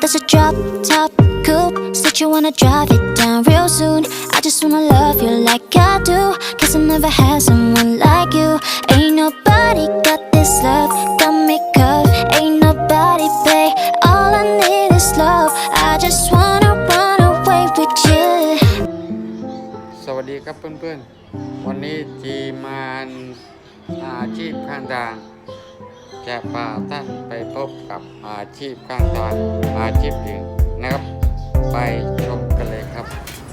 That's a drop top coupe. Said you wanna drive it down real soon. I just wanna love you like I do. Cause I never had someone like you. Ain't nobody got this love, got me cuffed. Ain't nobody pay. All I need is love. I just wanna run away with you. สวัสดีครับเพื่อนๆวันนี้ทีมงานอาชีพข้างทางจะพาท่านไปพบกับอาชีพข้างทางอาชีพหนึ่งนะครับไปชมกันเลยครับ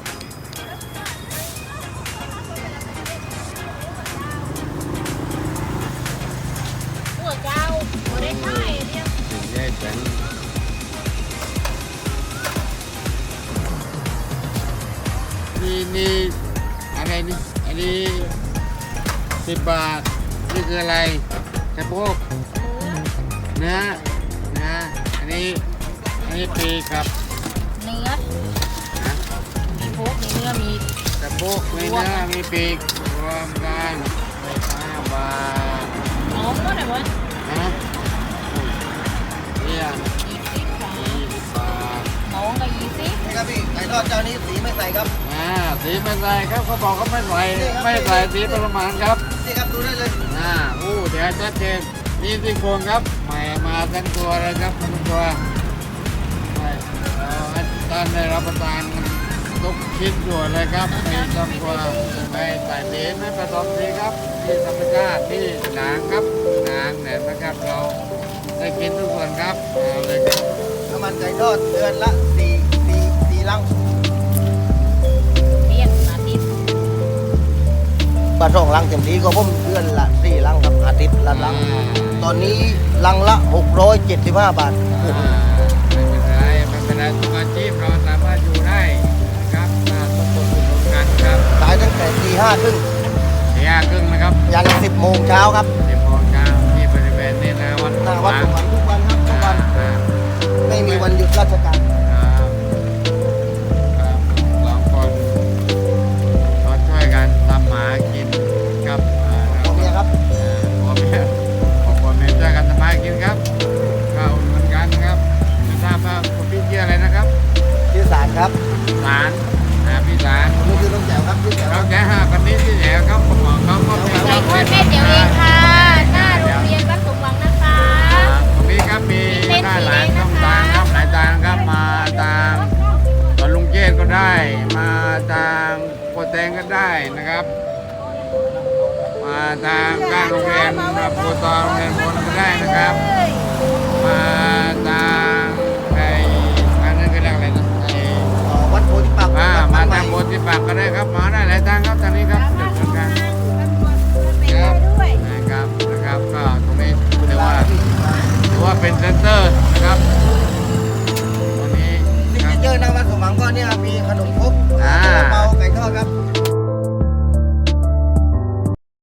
หัวเจ้าหัวได้ใช่เดียวได้เป็นนี่อะไรนี่อันนี้10 บาทนี่คืออะไรสะโพกเนื้ออันนี้ปีครับเนื้อมีโพกมีเนื้อมีสะโพกมีเนื้อมีปีกรวมกัน5 บาทน้องก็ไหนวะนะเนี่ย 20 20 บาทน้องก็20 นี่ครับพี่ไก่ทอดเจ้านี้สีไม่ใส่ครับสีไม่ใส่ครับเขาบอกเขาไม่ใส่สีประมาณครับนี่ครับดูได้เลยเดี๋ยวชัดเจนนี่ซี่โครงครับใหม่มาทั้งตัวเลยครับทั้งตัวท่านได้รับประทานทุกชิ้นส่วนเลยครับไม่ต้องกลัวไม่ใส่สีไม่ผสมสีครับที่ธรรมชาติที่หนังครับหนังเนี่ยนะครับเราได้กินทุกส่วนครับเอาเลยครับน้ำมันไก่ทอดเดือนละ4ลังเรียกอาทิตย์ปลาสองลังเต็มที่ก็ผมเดือนละ4ลังครับอาทิตย์ละลังตอนนี้ลังละ675 บาทไม่เป็นไรทุกอาชีพเราสามารถอยู่ได้นะครับทุกคนทุกคนกันครับขายตั้งแต่ตี5 ครึ่ง 4:30นะครับยัน10 โมงเช้าครับ 10 โมงเช้าที่บริเวณนี้นะวัดหน้าวัดสวรรค์ทุกวันครับทุกวันไม่มีวันหยุดราชการสองคนก็ช่วยกันทำหมากินครับผมเนี่ยครับพ่อแม่ช่วยกันทำหมากินครับก็อุ่นเหมือนกันนะครับไม่ทราบว่าคุณพี่ชื่ออะไรนะครับที่ศาลครับสารพี่สารผมคือต้องแจ๋วครับที่แจ๋วเราแค่คนนี้ที่แหวครับผมบอกเขาก็เป็นไก่เจ้าทอดแม่เดี๋ยวเองค่ะหน้าโรงเรียนบ้านสมหวังนะคะตรงนี้ครับมีได้หลายช่องทางครับหลายทางครับมาทางสวนลุงเจษก็ได้มาทางโคแตงก็ได้นะครับ มาทางข้างโรงเรียนโพตองโรงเรียนพลก็ได้นะครับ มาทางอันนั้นก็เรียกอะไรนะวัดโพธิปักษ์มาทางโพธิปักษ์ก็ได้ครับมาได้หลายทางครับทางนี้ครับจุดสำคัญครับนะครับก็ตรงนี้ถือว่าเป็นเซ็นเตอร์นะครับตรงนี้ซิกคเนรับเจอร์หน้าวัดสมหวังก็เนี่ยมีขนมครกอ่าเปาไก่ทอดครับ